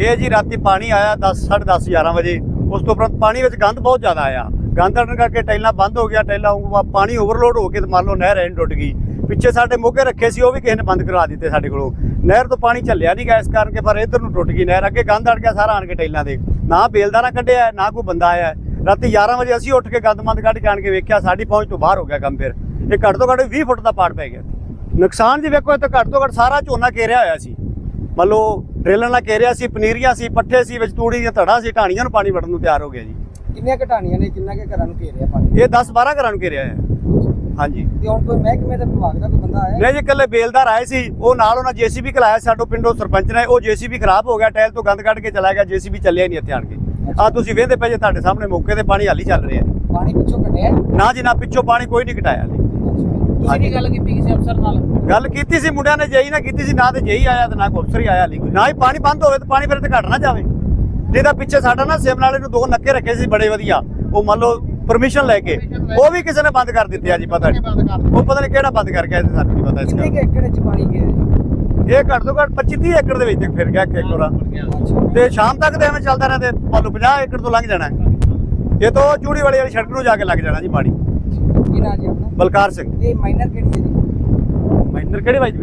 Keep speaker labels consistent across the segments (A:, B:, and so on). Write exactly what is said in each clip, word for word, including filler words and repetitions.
A: ਇਹ ਜੀ ਰਾਤੀ ਪਾਣੀ ਆਇਆ दस साढ़े दस ग्यारह ਵਜੇ। ਉਸ ਤੋਂ ਉਪਰੰਤ ਪਾਣੀ ਵਿੱਚ ਗੰਦ ਬਹੁਤ ਜ਼ਿਆਦਾ ਆਇਆ। ਗੰਦ ਆਉਣ ਕਰਕੇ ਟੈਲਾਂ ਬੰਦ ਹੋ ਗਿਆ, ਟੈਲਾਂ ਪਾਣੀ ਓਵਰਲੋਡ ਹੋ ਕੇ ਤੇ ਮੰਨ ਲਓ ਨਹਿਰ ਐਨ ਟੁੱਟ ਗਈ। ਪਿੱਛੇ ਸਾਡੇ ਮੋਗੇ ਰੱਖੇ ਸੀ, ਉਹ ਵੀ ਕਿਸੇ ਨੇ ਬੰਦ ਕਰਵਾ ਦਿੱਤੇ ਸਾਡੇ ਕੋਲੋਂ। ਨਹਿਰ ਤੋਂ ਪਾਣੀ ਚੱਲਿਆ ਨਹੀਂ ਗਿਆ, ਇਸ ਕਾਰਨ ਕਿ ਪਰ ਇੱਧਰ ਨੂੰ ਟੁੱਟ ਗਈ ਨਹਿਰ। ਅੱਗੇ ਗੰਦ ਅੜ ਗਿਆ ਸਾਰਾ ਆਣ ਕੇ ਟੈਲਾਂ ਦੇ। ਨਾ ਬੇਲਦਾਰਾ ਕੱਢਿਆ, ਨਾ ਕੋਈ ਬੰਦਾ ਆਇਆ। ਰਾਤੀ ਗਿਆਰਾਂ ਵਜੇ ਅਸੀਂ ਉੱਠ ਕੇ ਗੰਦ ਮੰਦ ਕੱਢ ਕੇ ਆਣ ਕੇ ਵੇਖਿਆ, ਸਾਡੀ ਪਹੁੰਚ ਤੋਂ ਬਾਹਰ ਹੋ ਗਿਆ ਕੰਮ। ਫਿਰ ਇਹ ਘੱਟ ਤੋਂ ਘੱਟ ਵੀਹ ਫੁੱਟ ਦਾ ਪਾੜ ਪੈ ਗਿਆ। ਨੁਕਸਾਨ ਜੀ ਵੇਖੋ, ਇੱਥੇ ਘੱਟ ਤੋਂ ਘੱਟ ਸਾਰਾ ਝੋਨਾ ਘੇਰਿਆ ਹੋਇਆ ਸੀ। ਮੰਨ ਲਓ ਡਰੇਲਰ ਨਾਲ ਘੇਰਿਆ ਸੀ, ਪਨੀਰੀਆਂ ਸੀ, ਪੱਠੇ ਸੀ, ਵਿੱਚ ਤੂੜੀ ਦੀਆਂ ਧੜਾ ਸੀ, ਢਾਣੀਆਂ ਨੂੰ ਪਾਣੀ ਵੜਨ ਨੂੰ ਤਿਆਰ ਹੋ ਗਿਆ ਜੀ।
B: ਕਿੰਨੀਆਂ ਘਟਾਣੀਆਂ ਨੇ, ਕਿੰਨਾ ਕੇ ਘਰਾਂ ਨੂੰ ਘੇਰਿਆ ਪਾਣੀ?
A: ਇਹ ਦਸ ਬਾਰਾਂ ਘਰਾਂ ਨੂੰ ਘੇਰਿਆ ਹੈ। ਹਾਂਜੀ।
B: ਤੇ ਹੁਣ ਕੋਈ ਮਹਿਕਮੇ ਦਾ ਵਿਭਾਗ ਦਾ ਕੋਈ ਬੰਦਾ ਆਇਆ?
A: ਨਹੀਂ ਜੀ, ਇਕੱਲੇ ਬੇਲਦਾਰ ਆਏ ਸੀ, ਉਹ ਨਾਲ ਉਹਨਾਂ ਜੇਸੀਬੀ ਖਲਾਇਆ ਸਾਡੋ ਪਿੰਡੋਂ ਸਰਪੰਚ ਨੇ। ਉਹ ਜੇਸੀਬੀ ਖਰਾਬ ਹੋ ਗਿਆ, ਟਾਇਲ ਤੋਂ ਗੰਦ ਕੱਢ ਕੇ ਚਲਾ ਗਿਆ, ਜੇਸੀਬੀ ਚੱਲਿਆ ਨਹੀਂ ਇੱਥੇ ਆਣ ਕੇ। ਆ ਤੁਸੀਂ ਵੇਖਦੇ ਪਏ ਜੇ ਤੁਹਾਡੇ ਸਾਹਮਣੇ ਮੌਕੇ ਤੇ ਪਾਣੀ ਹਾਲੀ ਚੱਲ ਰਿਹਾ।
B: ਪਾਣੀ ਪਿੱਛੋਂ ਘਟਿਆ?
A: ਨਾ ਜੀ ਨਾ, ਪਿੱਛੋਂ ਪਾਣੀ ਕੋਈ ਨਹੀਂ ਘਟਾਇਆ।
B: ਤੁਸੀਂ ਕੀ ਗੱਲ ਕੀਤੀ ਕਿਸੇ ਅਫਸਰ ਨਾਲ?
A: ਗੱਲ ਕੀਤੀ ਸੀ ਮੁੰਡਿਆਂ ਨੇ, ਜੇਈ ਨਾਲ ਕੀਤੀ ਸੀ। ਨਾ ਤੇ ਜੇਈ ਆਇਆ ਤੇ ਨਾ ਕੋਈ ਅਫਸਰ ਹੀ ਆਇਆ ਹਾਲੀ। ਨਾ ਹੀ ਪਾਣੀ ਬੰਦ ਹੋਵੇ ਤੇ ਪਾਣੀ ਫਿਰ ਤੇ ਘਟ ਨਾ ਜਾਵੇ। ਜਿਹਦਾ ਪਿੱਛੇ ਸਾਡਾ ਨਾ ਸਿਮਨਾਲੇ ਨੂੰ ਦੋ ਨੱਕੇ ਰੱਖੇ ਸੀ ਬੜੇ ਵਧੀਆ, ਉਹ ਮੰਨ ਲਓ ਪਰਮਿਸ਼ਨ ਲੈ ਕੇ, ਉਹ ਵੀ ਕਿਸੇ ਨੇ ਬੰਦ ਕਰ ਦਿੱਤੇ ਆ ਜੀ। ਪਤਾ ਨਹੀਂ ਉਹ ਪਤਾ ਨਹੀਂ ਕਿਹੜਾ ਬੰਦ ਕਰ ਗਿਆ, ਸਾਨੂੰ ਨਹੀਂ ਪਤਾ ਇਸ ਦਾ।
B: ਕਿੰਨੇ ਏਕੜ ਚ ਪਾਣੀ ਗਿਆ?
A: ਇਹ ਘੱਟ ਤੋਂ ਘੱਟ ਪੱਚੀ ਤੀਹ ਏਕੜ ਦੇ ਵਿੱਚ ਫਿਰ ਗਿਆ ਇੱਕ ਵਾਰ। ਤੇ ਸ਼ਾਮ ਤੱਕ ਤੇ ਐਵੇਂ ਚੱਲਦਾ ਰਹਿੰਦਾ, ਮੰਨ ਲਓ ਪੰਜਾਹ ਏਕੜ ਤੋਂ ਲੰਘ ਜਾਣਾ। ਇਹ ਤੋਂ ਚੂੜੀ ਵਾਲੀ ਵਾਲੀ ਸੜਕ ਨੂੰ ਜਾ ਕੇ ਲੱਗ ਜਾਣਾ ਜੀ ਪਾਣੀ।
B: ਕੀ ਨਾਂ ਜੀ ਆਪਣਾ?
A: ਬਲਕਾਰ ਸਿੰਘ।
B: ਇਹ ਮਾਈਨਰ ਕਿਹੜੀ ਹੈ ਜੀ?
A: ਮਾਈਨਰ ਕਿਹੜੇ ਵਾਈ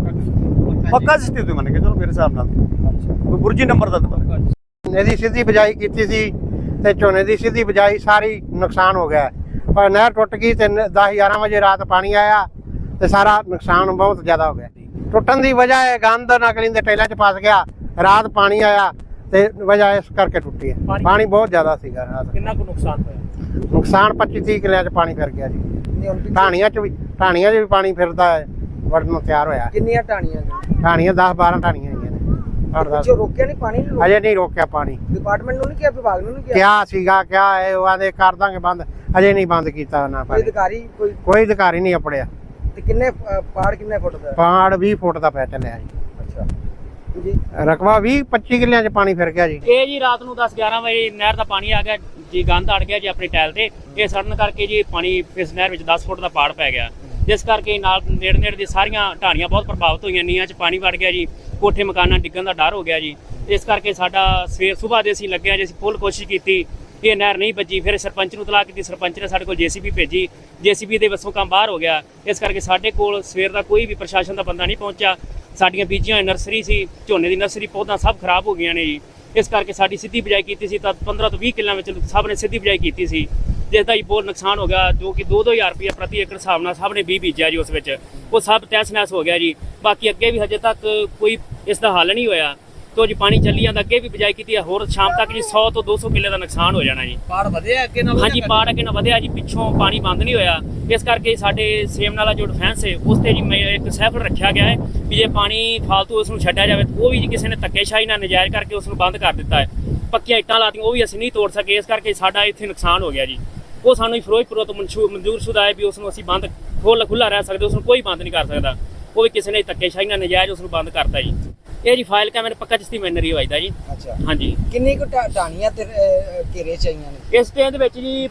A: ਪੱਕਾ ਸਿਸਟਮ ਤੇ ਮੰਨ ਕੇ ਚਲੋ ਮੇਰੇ ਹਿਸਾਬ ਨਾਲ ਕੋਈ ਬੁਰਜੀ ਨੰਬਰ ਦਾ ਤਾਂ ਪਤਾ।
C: ਇਹਦੀ ਸਿੱਧੀ ਬਿਜਾਈ ਕੀਤੀ ਸੀ ਤੇ ਝੋਨੇ ਦੀ ਸਿੱਧੀ ਬਿਜਾਈ ਸਾਰੀ ਨੁਕਸਾਨ ਹੋ ਗਿਆ। ਪਰ ਨਹਿਰ ਟੁੱਟ ਗਈ ਤੇ ਦਸ ਗਿਆਰਾਂ ਵਜੇ ਰਾਤ ਪਾਣੀ ਆਇਆ ਤੇ ਸਾਰਾ ਨੁਕਸਾਨ ਬਹੁਤ ਜ਼ਿਆਦਾ ਹੋ ਗਿਆ। ਟੁੱਟਣ ਦੀ ਵਜ੍ਹਾ ਹੈ ਗੰਦ ਨਕਲੀ ਦੇ ਟੈਲਾਂ 'ਚ ਫਸ ਗਿਆ। ਰਾਤ ਪਾਣੀ ਆਇਆ ਤੇ ਵਜ੍ਹਾ ਇਸ ਕਰਕੇ ਟੁੱਟੀ ਹੈ। ਪਾਣੀ ਬਹੁਤ ਜ਼ਿਆਦਾ ਸੀਗਾ ਰਾਤ।
B: ਕਿੰਨਾ ਕੁ ਨੁਕਸਾਨ ਹੋਇਆ?
C: ਨੁਕਸਾਨ ਪੱਚੀ ਤੀਹ ਕਿੱਲਿਆਂ 'ਚ ਪਾਣੀ ਫਿਰ ਗਿਆ ਜੀ। ਢਾਣੀਆਂ 'ਚ ਵੀ ਢਾਣੀਆਂ 'ਚ ਵੀ ਪਾਣੀ ਫਿਰਦਾ ਹੈ, ਵੜਨ ਨੂੰ ਤਿਆਰ ਹੋਇਆ।
B: ਕਿੰਨੀਆਂ ਢਾਣੀਆਂ ਨੇ?
C: ਢਾਣੀਆਂ ਦਸ ਬਾਰਾਂ ਢਾਣੀਆਂ ਹੈਗੀਆਂ ਨੇ।
B: ਪਿੱਛੋਂ ਰੋਕਿਆ ਨਹੀਂ ਪਾਣੀ ਨੂੰ?
C: ਅਜੇ ਨਹੀਂ ਰੋਕਿਆ ਪਾਣੀ।
B: ਡਿਪਾਰਟਮੈਂਟ ਨੂੰ ਨਹੀਂ ਕਿਹਾ, ਵਿਭਾਗ ਨੂੰ ਨਹੀਂ ਕਿਹਾ?
C: ਕਿਹਾ ਸੀਗਾ, ਕਿਹਾ ਹੈ ਉਹ ਆਂਦੇ ਕਰ ਦਾਂਗੇ ਬੰਦ, ਅਜੇ ਨਹੀਂ ਬੰਦ ਕੀਤਾ ਉਹਨਾਂ
B: ਕੋਈ ਅਧਿਕਾਰੀ ਕੋਈ
C: ਕੋਈ ਅਧਿਕਾਰੀ ਨਹੀਂ ਅਪੜਿਆ।
B: ਤੇ ਕਿੰਨੇ ਅ, ਪਾੜ ਕਿੰਨੇ ਫੁੱਟ ਦਾ?
C: ਪਾੜ ਵੀਹ ਫੁੱਟ ਦਾ ਪੈ ਚੱਲਿਆ ਜੀ।
B: ਅੱਛਾ ਜੀ।
C: ਰਕਬਾ ਵੀਹ ਪੱਚੀ ਕਿੱਲਿਆਂ 'ਚ ਪਾਣੀ ਫਿਰ ਗਿਆ ਜੀ।
D: ਇਹ ਜੀ ਰਾਤ ਨੂੰ ਦਸ ਗਿਆਰਾਂ ਵਜੇ ਨਹਿਰ ਦਾ ਪਾਣੀ ਆ ਗਿਆ ਜੀ, ਗੰਦ ਅੜ ਗਿਆ ਜੀ ਆਪਣੀ ਟੈਲ ਤੇ। ਇਹ ਸੜਨ ਕਰਕੇ ਜੀ ਪਾਣੀ ਇਸ ਨਹਿਰ ਵਿੱਚ ਦਸ ਫੁੱਟ ਦਾ ਪਾੜ ਪੈ ਗਿਆ, ਜਿਸ ਕਰਕੇ ਨਾਲ ਨੇੜੇ ਨੇੜੇ ਦੀ ਸਾਰੀਆਂ ਢਾਣੀਆਂ ਬਹੁਤ ਪ੍ਰਭਾਵਿਤ ਹੋਈਆਂ। ਨੀਹਾਂ 'ਚ ਪਾਣੀ ਵੜ ਗਿਆ ਜੀ, ਕੋਠੇ ਮਕਾਨਾਂ ਡਿੱਗਣ ਦਾ ਡਰ ਹੋ ਗਿਆ ਜੀ। ਇਸ ਕਰਕੇ ਸਾਡਾ ਸਵੇਰ ਸੁਬਾਹ ਦੇ ਅਸੀਂ ਲੱਗੇ ਜੀ, ਅਸੀਂ ਫੁੱਲ ਕੋਸ਼ਿਸ਼ ਕੀਤੀ, ਇਹ ਨਹਿਰ ਨਹੀਂ ਭੱਜੀ। ਫਿਰ ਸਰਪੰਚ ਨੂੰ ਤਲਾਕ ਕੀਤੀ, ਸਰਪੰਚ ਨੇ ਸਾਡੇ ਕੋਲ ਜੇਸੀਬੀ ਭੇਜੀ, ਜੇਸੀਬੀ ਦੇ ਵੱਸੋਂ ਕੰਮ ਬਾਹਰ ਹੋ ਗਿਆ। ਇਸ ਕਰਕੇ ਸਾਡੇ ਕੋਲ ਸਵੇਰ ਦਾ ਕੋਈ ਵੀ ਪ੍ਰਸ਼ਾਸਨ ਦਾ ਬੰਦਾ ਨਹੀਂ ਪਹੁੰਚਿਆ। ਸਾਡੀਆਂ ਬੀਜੀਆਂ ਹੋਈਆਂ ਨਰਸਰੀ ਸੀ, ਝੋਨੇ ਦੀ ਨਰਸਰੀ ਪੌਦਾ ਸਭ ਖਰਾਬ ਹੋ ਗਈਆਂ ਨੇ ਜੀ। ਇਸ ਕਰਕੇ ਸਾਡੀ ਸਿੱਧੀ ਬਿਜਾਈ ਕੀਤੀ ਸੀ ਤਾਂ ਪੰਦਰਾਂ ਤੋਂ ਵੀਹ ਕਿੱਲਿਆਂ ਵਿੱਚ ਸਭ ਨੇ ਸਿੱਧੀ ਬਿਜਾਈ ਕੀਤੀ ਸੀ, ਜਿਸ ਦਾ ਜੀ ਬਹੁਤ ਨੁਕਸਾਨ ਹੋ ਗਿਆ, ਜੋ ਕਿ ਦੋ ਦੋ ਹਜ਼ਾਰ ਰੁਪਇਆ ਪ੍ਰਤੀ ਏਕੜ ਹਿਸਾਬ ਨਾਲ ਸਭ ਨੇ ਵੀਹ ਬੀਜਿਆ ਜੀ। ਉਸ ਵਿੱਚ ਉਹ ਸਭ ਤਹਿਸ ਨਹਿਸ ਹੋ ਗਿਆ ਜੀ। ਬਾਕੀ ਅੱਗੇ ਵੀ ਹਜੇ ਤੱਕ ਕੋਈ ਇਸ ਦਾ ਹੱਲ ਨਹੀਂ ਹੋਇਆ। ਤੋ ਜੀ ਪਾਣੀ ਚੱਲੀ ਜਾਂਦਾ, ਅੱਗੇ ਵੀ ਬਿਜਾਈ ਕੀਤੀ ਹੈ, ਹੋਰ ਸ਼ਾਮ ਤੱਕ ਜੀ ਸੌ ਤੋਂ ਦੋ ਸੌ ਕਿੱਲੇ ਦਾ ਨੁਕਸਾਨ ਹੋ ਜਾਣਾ ਜੀ।
B: ਪਾੜ ਵਧਿਆ ਅੱਗੇ ਨਾਲ?
D: ਹਾਂਜੀ, ਪਾੜ ਅੱਗੇ ਨਾਲ ਵਧਿਆ ਜੀ, ਪਿੱਛੋਂ ਪਾਣੀ ਬੰਦ ਨਹੀਂ ਹੋਇਆ। ਇਸ ਕਰਕੇ ਸਾਡੇ ਸੇਮ ਨਾਲਾ ਜੋ ਡਿਫੈਂਸ ਹੈ ਉਸ ਤੇ ਜੀ ਮੈਂ ਇੱਕ ਸੈਫਰ ਰੱਖਿਆ ਗਿਆ ਹੈ ਵੀ ਜੇ ਪਾਣੀ ਫਾਲਤੂ ਉਸ ਨੂੰ ਛੱਡਿਆ ਜਾਵੇ, ਉਹ ਵੀ ਜੀ ਕਿਸੇ ਨੇ ਧੱਕੇਸ਼ਾਹੀ ਨਾਲ ਨਜਾਇਜ਼ ਕਰਕੇ ਉਸ ਨੂੰ ਬੰਦ ਕਰ ਦਿੱਤਾ ਹੈ। ਪੱਕੀਆਂ ਇੱਟਾਂ ਲਾਤੀਆਂ, ਉਹ ਵੀ ਅਸੀਂ ਨਹੀਂ ਤੋੜ ਸਕੇ। ਇਸ ਕਰਕੇ ਸਾਡਾ ਇੱਥੇ ਨੁਕਸਾਨ ਹੋ ਗਿਆ ਜੀ। ਉਹ ਸਾਨੂੰ ਫਿਰੋਜ਼ਪੁਰ ਤੋਂ ਮਨਜ਼ੂਰ ਸ਼ੁਦਾ ਹੈ ਵੀ ਉਸ ਨੂੰ ਅਸੀਂ ਬੰਦ ਖੋਲ੍ਹ ਖੁੱਲ੍ਹਾ ਰਹਿ ਸਕਦੇ, ਉਸ ਨੂੰ ਕੋਈ ਬੰਦ ਨਹੀਂ ਕਰ ਸਕਦਾ। ਉਹ ਵੀ ਕਿਸੇ ਨੇ ਧੱਕੇਸ਼ਾਹੀ ਨਾਲ ਨਜਾਇਜ਼ ਉਸ ਨੂੰ ਬੰਦ ਕਰਤਾ ਜੀ। ਇਹ ਜੀ ਫਾਈਲ ਕੈਮਰੇ ਪੱਕਾ ਚਿਸ਼ਤੀ ਮੈਨਰੀ ਵਜਦਾ ਜੀ।
B: ਅੱਛਾ
D: ਹਾਂਜੀ।
B: ਕਿੰਨੀ ਕੁ ਢਾਣੀਆਂ ਤੇ ਅ, ਘੇਰੇ ਚਾਹੀਆਂ ਨੇ
D: ਇਸ ਟਾਈਮ ਦੇ ਵਿੱਚ ਜੀ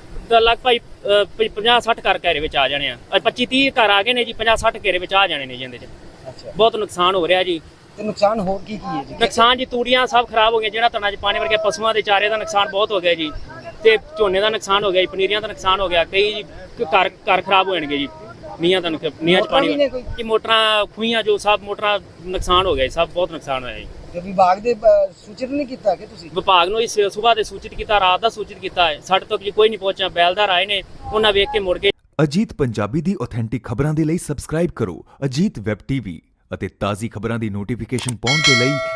D: ਲਗਭਗ ਪੰਜਾਹ ਸੱਠ ਘਰ ਘੇਰੇ ਵਿੱਚ ਆ ਜਾਣੇ ਆ। ਪੱਚੀ ਤੀਹ ਘਰ ਆ ਗਏ ਨੇ ਜੀ, ਪੰਜਾਹ ਸੱਠ ਘੇਰੇ ਵਿੱਚ ਆ ਜਾਣੇ ਨੇ ਜੀ। ਇਹਦੇ 'ਚ
B: ਅੱਛਾ
D: ਬਹੁਤ ਨੁਕਸਾਨ ਹੋ ਰਿਹਾ ਜੀ।
B: ਤੇ ਨੁਕਸਾਨ ਹੋਰ ਕੀ ਕੀ ਹੈ ਜੀ?
D: ਨੁਕਸਾਨ ਜੀ ਤੂੜੀਆਂ ਸਭ ਖਰਾਬ ਹੋ ਗਈਆਂ, ਜਿਹੜਾ ਤਣਾ 'ਚ ਪਾਣੀ ਵੜ ਗਿਆ, ਪਸ਼ੂਆਂ ਦੇ ਚਾਰੇ ਦਾ ਨੁਕਸਾਨ ਬਹੁਤ ਹੋ ਗਿਆ ਜੀ। ਤੇ ਝੋਨੇ ਦਾ ਨੁਕਸਾਨ ਹੋ ਗਿਆ ਜੀ, ਪਨੀਰੀਆਂ ਦਾ ਨੁਕਸਾਨ ਹੋ ਗਿਆ। ਕਈ ਜੀ ਘਰ ਘਰ ਖਰਾਬ ਹੋ ਜਾਣਗੇ ਜੀ। ਨੀਹਾਂ ਦਾ ਨੀਹਾਂ 'ਚ ਪਾਣੀ ਕਿ ਮੋਟਰਾਂ ਖੂਹੀਆਂ ਜੋ ਸਭ ਮੋਟਰਾਂ ਨੁਕਸਾਨ ਹੋ ਗਿਆ ਜੀ, ਸਭ ਬਹੁਤ ਨੁਕਸਾਨ ਹੋਇਆ ਜੀ।
B: ਤੇ ਵਿਭਾਗ ਦੇ ਅ, ਸੂਚਿਤ ਨਹੀਂ ਕੀਤਾ ਕਿ ਤੁਸੀਂ?
D: ਵਿਭਾਗ ਨੂੰ ਇਸ ਸੁਬਾਹ ਦੇ ਸੂਚਿਤ ਕੀਤਾ, ਰਾਤ ਦਾ ਸੂਚਿਤ ਕੀਤਾ ਹੈ, ਸਾਡੇ ਤੱਕ ਜੀ ਕੋਈ ਨਹੀਂ ਪਹੁੰਚਿਆ। ਬੈਲਦਾਰ ਆਏ ਨੇ, ਉਹਨਾਂ ਵੇਖ ਕੇ ਮੁੜ ਗਏ।
E: ਅਜੀਤ ਪੰਜਾਬੀ ਦੀ ਆਥੈਂਟਿਕ ਖਬਰਾਂ ਦੇ ਲਈ ਸਬਸਕ੍ਰਾਈਬ ਕਰੋ ਅਜੀਤ ਵੈਬ ਟੀਵੀ ਅਤੇ ਤਾਜ਼ੀ ਖਬਰਾਂ ਦੀ ਨੋਟੀਫਿਕੇਸ਼ਨ ਪਾਉਣ ਦੇ ਲਈ